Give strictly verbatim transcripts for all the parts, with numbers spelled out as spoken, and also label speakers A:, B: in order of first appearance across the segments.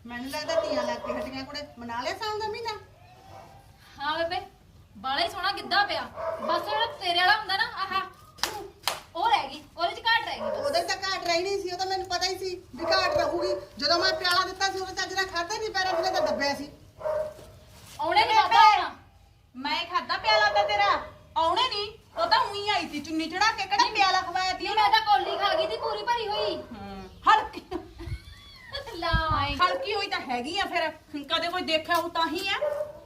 A: ਮੈਨੂੰ ਲੱਗਦਾ ਧੀਆਂ ਲੱਗ ਕੇ ਹਟੀਆਂ ਕੁੜੇ ਮਨਾ ਲਿਆ ਸਾਉਣ ਦਾ ਮਹੀਨਾ।
B: ਹਾਂ ਬੇਬੇ ਬਾਲਾ ਹੀ ਸੋਹਣਾ ਗਿੱਧਾ ਪਿਆ। ਬਸ ਜਿਹੜਾ ਤੇਰੇ ਵਾਲਾ ਹੁੰਦਾ ਨਾ ਆਹਾ ਉਹ ਰਹਿ ਗਈ, ਉਹਦੇ ਚ ਘਾਟ ਰਹਿ ਗਈ ਬਸ।
A: ਉਹਦੇ ਤਾਂ ਘਾਟ ਰਹੀ ਨਹੀਂ ਸੀ, ਉਹ ਤਾਂ ਮੈਨੂੰ ਪਤਾ ਹੀ ਸੀ ਵੀ ਘਾਟ ਰਹੂਗੀ। ਜਦੋਂ ਮੈਂ ਪਿਆਲਾ ਦਿੱਤਾ ਸੀ ਉਹਦੇ ਚੱਜ ਨਾਲ ਖਾਧਾ ਨਹੀਂ, ਪੈਰਾਂ ਥੱਲੇ ਤਾਂ ਦੱਬਿਆ ਸੀ।
B: ਉਹਨੇ ਨਹੀਂ ਖਾਧਾ ਹੋਣਾ।
C: ਮੈਂ ਖਾਦਾ ਪਿਆਲਾ ਤਾਂ ਤੇਰਾ ਆਉਣੇ ਨਹੀਂ, ਉਹ ਤਾਂ ਉਹੀ ਆਈ ਸੀ ਚੁੰਨੀ ਚੜਾ ਕੇ ਕਿਹੜਾ ਪਿਆਲਾ ਖਵਾਇਆ ਤੀ
B: ਨਹੀਂ ਮੈਂ ਤਾਂ ਕੋਲੀ ਖਾ ਗਈ ਸੀ ਪੂਰੀ ਭਰੀ ਹੋਈ।
C: ਹਲਕੀ
B: ਲਾਈ
C: ਹਲਕੀ ਹੋਈ ਤਾਂ ਹੈਗੀ ਆ, ਫਿਰ ਕਦੇ ਕੋਈ ਦੇਖਿਆ ਉਹ ਤਾਂ ਹੀ ਆ।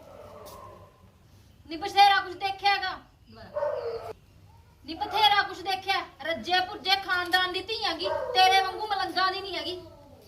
B: ਨੀ ਬਥੇਰਾ ਕੁਝ ਦੇਖਿਆਗਾ, ਨੀ ਬਥੇਰਾ ਕੁਝ ਦੇਖਿਆ। ਰੱਜੇ ਪੁੱਜੇ ਖਾਨਦਾਨ ਦੀ ਧੀ ਹੈਗੀ, ਤੇਰੇ ਵਾਂਗੂ ਮਲੰਗਾ ਦੀ ਨਹੀਂ ਹੈਗੀ।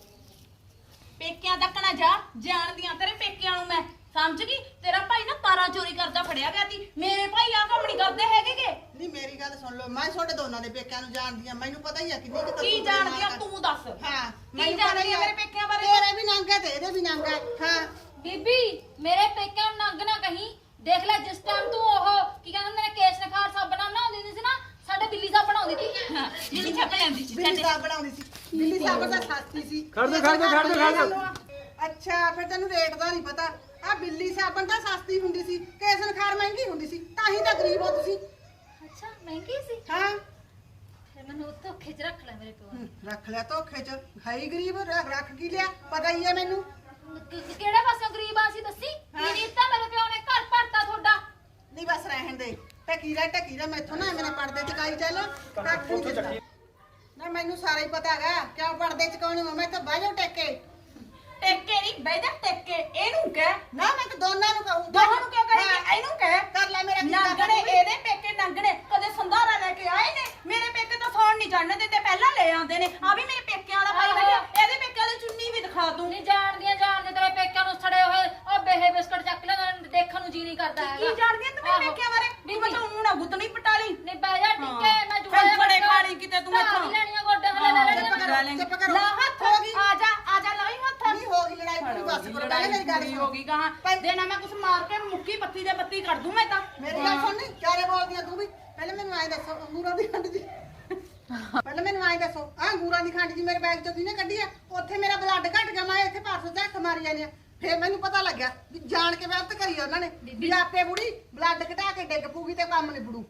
C: ਪੇਕਿਆਂ ਤੱਕ ਨਾ ਜਾ, ਜਾਣਦੀਆਂ ਤੇਰੇ ਪੇਕਿਆਂ ਨੂੰ ਮੈਂ, ਸਮਝ ਗਈ। ਤੇਰਾ ਭਾਈ ਨਾ ਤਾਰਾ ਚੋਰੀ ਕਰਦਾ ਫੜਿਆ ਗਿਆ ਸੀ, ਮੇਰੇ ਭਾਈ ਆ ਕੰਮ ਨਹੀਂ ਕਰਦੇ ਹੈਗੇਗੇ।
A: ਨਹੀਂ ਮੇਰੀ ਗੱਲ ਸੁਣ ਲਓ, ਮੈਂ ਤੁਹਾਡੇ ਦੋਨਾਂ ਦੇ ਪੇਕਿਆਂ ਨੂੰ ਜਾਣਦੀ ਆ, ਮੈਨੂੰ ਪਤਾ ਹੀ ਆ ਕਿੰਨੀ ਕਿ
C: ਕੀ ਜਾਣਦੀਆਂ ਤੂੰ ਦੱਸ।
A: ਹਾਂ
C: ਕੀ ਜਾਣਦੀ ਆ ਮੇਰੇ ਪੇਕਿਆਂ ਬਾਰੇ?
A: ਤੇਰੇ ਵੀ ਨੰਗ ਹੈ ਤੇ ਇਹਦੇ ਵੀ ਨੰਗ ਹੈ। ਹਾਂ
B: ਬੀਬੀ ਮੇਰੇ ਪੇਕਿਆਂ ਨੂੰ ਨੰਗ ਨਾ ਕਹੀਂ। ਦੇਖ ਲੈ ਜਿਸ ਟਾਈਮ ਤੂੰ ਉਹ ਕੀ ਕਹਿੰਦੇ ਮੇਰੇ ਕੇਸ ਨਖਾਰ ਸਾਬਣਾ ਬਣਾਉਂਦੀ ਹੁੰਦੀ ਸੀ ਨਾ, ਸਾਡੇ ਬਿੱਲੀ ਸਾਹਿਬ ਬਣਾਉਂਦੀ ਸੀ।
C: ਜਿਹੜੀ ਛੱਪ ਜਾਂਦੀ ਸੀ
A: ਬਿੱਲੀ ਸਾਹਿਬ ਬਣਾਉਂਦੀ ਸੀ। ਬਿੱਲੀ ਸਾਹਿਬ ਤਾਂ ਸਸਤੀ ਸੀ।
D: ਖੜ ਦੇ ਖੜ ਦੇ ਖੜ ਦੇ ਖੜ ਦੇ।
A: ਅੱਛਾ ਫਿਰ ਤੈਨੂੰ ਰੇਟ ਦਾ ਨਹੀਂ ਪਤਾ। ਆ ਬਿੱਲੀ ਸਾਬਣ ਤਾਂ ਸਸਤੀ ਹੁੰਦੀ ਸੀ, ਕੇਸਨ ਖਾਰ ਮਹਿੰਗੀ ਹੁੰਦੀ ਸੀ, ਤਾਂ ਹੀ ਤਾਂ ਗਰੀਬ ਹੋ ਤੁਸੀਂ।
B: ਅੱਛਾ ਮਹਿੰਗੀ ਸੀ।
A: ਹਾਂ
B: ਫਿਰ ਮੈਨੂੰ ਧੋਖੇ 'ਚ ਰੱਖ ਲੈ ਮੇਰੇ ਪਿਓ ਨੇ।
A: ਹੂੰ, ਰੱਖ ਲਿਆ ਧੋਖੇ ਚ। ਹੈ ਹੀ ਗਰੀਬ, ਰੱਖ ਰੱਖ ਕੀ ਲਿਆ, ਪਤਾ ਹੀ ਹੈ ਮੈਨੂੰ।
B: ਕਿ- ਕਿਹੜੇ ਪਾਸਿਓਂ ਗਰੀਬ ਆ ਸੀ ਦੱਸੀ।
A: ਹਾਂ।
B: ਕੀ ਦਿੱਤਾ ਮੇਰੇ ਪਿਓ ਨੇ, ਘਰ ਭਰਤਾ ਤੁਹਾਡਾ।
A: ਨਹੀਂ ਬਸ ਰਹਿਣ ਦੇ, ਟਕੀ ਰਹਿ ਟਕੀ ਰਹਿ। ਮੈਥੋਂ ਨਾ ਮੇਰੇ ਪਰਦੇ ਚਕਾਈ ਚੱਲ ਕੱਖ ਨਹੀਂ ਦਿੰਦਾ। ਨਾ ਮੈਨੂੰ ਸਾਰਾ ਹੀ ਪਤਾ ਹੈਗਾ ਕਿਉਂ ਪਰਦੇ ਚਕਾਉਣੀ। ਮੈਂ ਤਾਂ ਬਾਹਰ ਜਾਓ ਟੇਕੇ।
C: ਟੇਕੇ ਨਹੀਂ ਬਹਿ ਜਾ, ਟੇਕੇ ਇਹਨੂੰ ਕਹਿ।
A: ਨਾ ਮੈਂ ਤਾਂ ਦੋਨਾਂ ਨੂੰ ਕਹੂੰ।
C: ਦੋਹਾਂ ਨੂੰ ਕਿਉਂ ਕਹੇਂਗੀ? ਇਹਨੂੰ ਕਹਿ।
A: ਕਰ ਲੈ ਮੇਰਾ ਕੀ
C: ਨੰਗਣੇ
A: ਕਰਨਾ।
C: ਇਹਦੇ ਪੇਕੇ ਨੰਗਣੇ ਕਦੇ ਸੰਧਾਰਾ ਲੈ ਕੇ ਆਏ ਨੇ। ਮੇਰੇ ਪੇਕੇ ਤਾਂ ਸੌਣ ਨਹੀਂ ਚੜਨ ਦਿੰਦੇ, ਪਹਿਲਾਂ ਲੈ ਆਉਂਦੇ ਨੇ। ਆ ਵੀ ਮੇਰੇ ਪੇਕਿਆਂ ਦਾ ਭਾਈ ਬੈਠਾ, ਇਹਦੇ ਪੇਕਿਆਂ ਦੀ ਚੁੰਨੀ ਵੀ ਦਿਖਾ ਦੂੰ।
B: ਨਹੀਂ ਜਾਣਦੀਆਂ ਜਾਣਦੇ ਤੇਰੇ ਪੇਕਿਆਂ ਨੂੰ ਸੜੇ ਹੋਏ ਉਹ ਬੇਹੇ ਬਿਸਕਟ ਚੱਕ ਲੈਣਾ, ਦੇਖਣ ਨੂੰ ਜੀ ਨਹੀਂ ਕਰਦਾ ਹੈਗਾ।
C: ਕੀ ਜਾਣਦੀ ਆਂ ਤੂੰ ਮੇਰੇ
B: ਆਹੋ।
C: ਪੇਕਿਆਂ ਬਾਰੇ? ਤੂੰ ਮੈਂ ਤਾਂ ਉਹਨੂੰ ਨਾ ਗੁੱਤ ਨਹੀਂ ਪਟਾਲੀ।
B: ਨਹੀਂ ਬਹਿ ਜਾ ਟਿੱਕੇ, ਮੈਂ ਜੁੜਾ
C: ਕੰਫੜੇ ਖਾਣੀ ਕਿਤੇ ਤੂੰ ਮੈਥੋਂ।
B: ਲੈਣੀਆਂ ਗੋਡੇ ਹਲੇ ਲੈ
A: ਚੁੱਪ
B: ਲੈਣੀਆਂ।
A: ਕਰੋ, ਚੁੱਪ ਕਰੋ।
C: ਲਾ ਹੱਥ
A: ਹੋ ਗਈ।
C: ਆ ਜਾ ਆ ਜਾ ਲਾਈ ਹੱਥ।
A: ਨਹੀਂ ਹੋ ਗਈ ਲੜਾਈ ਪੂਰੀ, ਬਸ ਕਰੋ। ਪਹਿਲੇ ਮੇਰੀ ਗੱਲ
C: ਪੂਰੀ
A: ਸੁਣ।
C: ਹੋ ਗਈ ਕਹਾਂ ਦੇਣਾ ਮੈਂ ਕੁਛ ਮਾਰ ਕੇ ਮੁੱਕੀ ਬੱਤੀ ਦੇ ਬੱਤੀ ਕਰ ਦੂੰ ਮੈਂ ਤਾਂ।
A: ਮੇਰੀ ਗੱਲ ਸੁਣ। ਨਹੀਂ ਚਾਰੇ ਬੋਲਦੀ ਆ ਤੂੰ ਵੀ। ਪਹਿਲੇ ਮੈਨੂੰ ਐਂ ਦੱਸੋ ਅੰਗੂਰਾਂ ਦੀ ਖੰਡ ਜੀ। ਪਹਿਲੇ ਮੈਨੂੰ ਐਂ ਦੱਸੋ ਆ ਅੰਗੂਰਾਂ ਦੀ ਖੰਡ ਜੀ ਮੇਰੇ ਬੈਗ ਚੋਂ ਕਿਹਨੇ ਕੱਢੀ ਆ? ਉੱਥੇ ਮੇਰਾ ਬਲੱਡ ਘਟ ਗਿਆ, ਮੈਂ ਇੱਥੇ ਪਾਸੋਂ ਝੱਕ ਮਾਰੀ ਜਾਂਦੀ ਆ। ਫੇਰ ਮੈਨੂੰ ਪਤਾ ਲੱਗਿਆ ਵੀ ਜਾਣ ਕੇ ਵਰਤ ਕਰੀ ਉਹਨਾਂ ਨੇ ਵੀ ਆਪੇ ਬੁੜੀ ਬਲੱਡ ਘਟਾ ਕੇ ਡਿੱਗ ਪੂਗੀ ਤੇ ਕੰਮ ਨਿਬੜੂ।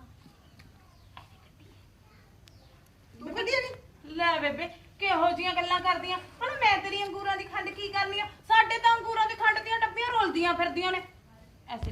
A: ਤੂੰ ਕੱਢੀ ਨਹੀਂ?
C: ਲੈ ਬੇਬੇ ਕਿਹੋ ਜੀਆਂ ਗੱਲਾਂ ਕਰਦੀਆਂ ਹੁਣ। ਮੈਂ ਤੇਰੀ ਅੰਗੂਰਾਂ ਦੀ ਖੰਡ ਕੀ ਕਰਨੀ ਆ? ਸਾਡੇ ਤਾਂ ਅੰਗੂਰਾਂ ਦੀ ਖੰਡ ਦੀਆਂ ਡੱਬੀਆਂ ਰੋਲਦੀਆਂ ਫਿਰਦੀਆਂ ਨੇ।